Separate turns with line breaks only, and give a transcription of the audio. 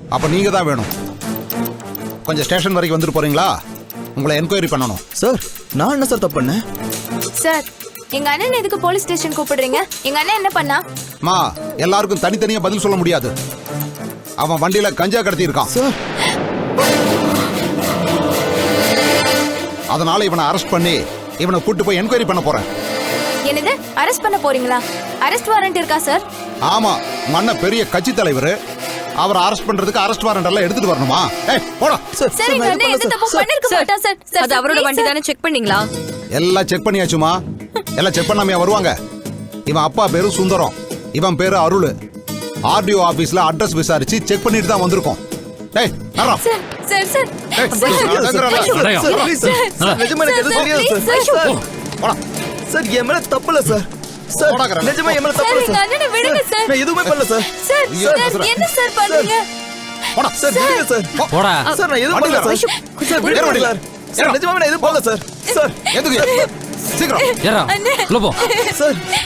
அப்ப நீங்க தான் வேணும். கொஞ்சம் ஸ்டேஷன் வரைக்கும் வந்துட்டு போறீங்களா? உங்களை என்கொயரி பண்ணணும்.
சார் நான் என்ன சார் தப்பு பண்ணேன்?
சார் எங்க அண்ணன் எதுக்கு போலீஸ் ஸ்டேஷன் கூப்பிடுறீங்க? எங்க அண்ணன் என்ன பண்ணா?
மா, எல்லாருக்கும் தனித்தனியா பதில் சொல்ல முடியாது. அவன் வண்டியில கஞ்சா கடத்தி இருக்கான்
சார்.
அதனால இவனை அரெஸ்ட் பண்ணி இவனை கூட்டு போய் என்கொயரி பண்ண போறேன்.
என்னது அரெஸ்ட் பண்ண போறீங்களா? அரெஸ்ட் வாரண்ட் இருக்கா சார்?
ஆமா, உங்க அண்ணன் பெரிய கட்சி தலைவர். அவரை அரெஸ்ட் பண்றதுக்கு அரெஸ்ட் வாரண்ட் எல்லாம் எடுத்துட்டு வரணுமா? ஏய் போடா.
சார் எங்க அண்ணன் எந்த தப்பு பண்ணிருக்க மாட்டான் சார். சார்
அது அவரோட வண்டி தானே, செக் பண்ணீங்களா?
எல்லாம் செக் பண்ணியாச்சுமா. எல்லாம் செக் பண்ணாமையா வருவாங்க? இவன் அப்பா பேரு சுந்தரம், இவன் பேரு அருள். ஆர்டிஓ ஆபீஸ்ல அட்ரஸ் விசாரிச்சு செக் பண்ணிட்டு தான் வந்திருக்கோம். டேய் நரா.
சார் சார் சார்
டேய், நடங்கறடா.
Sir please sir. நிஜமா எனக்கு எதுவும் தெரியாது சார். சார்
போடா.
சார் என் மேல தப்பு இல்ல சார். சார்
போடாங்கறேன்.
நிஜமா என் மேல தப்பு
சார்
இல்ல
எங்க
சார்.
அண்ணனை விடுங்க சார்.
நான் எதுவுமே பண்ணல சார்.
சார்
ஐயோ,
சார்
பேசுறேன்.
என்ன சார் பண்றீங்க?
போடா.
சார் விடுங்க சார்.
போடா.
சார் நான் எதுவும் பண்ணல சார். சார் விடுங்க சார். சார் நிஜமா நான் எதுவும் பண்ணல சார். சார்
எதுக்கு? சீக்கிரம்
ஏறா உள்ள போ.
சார்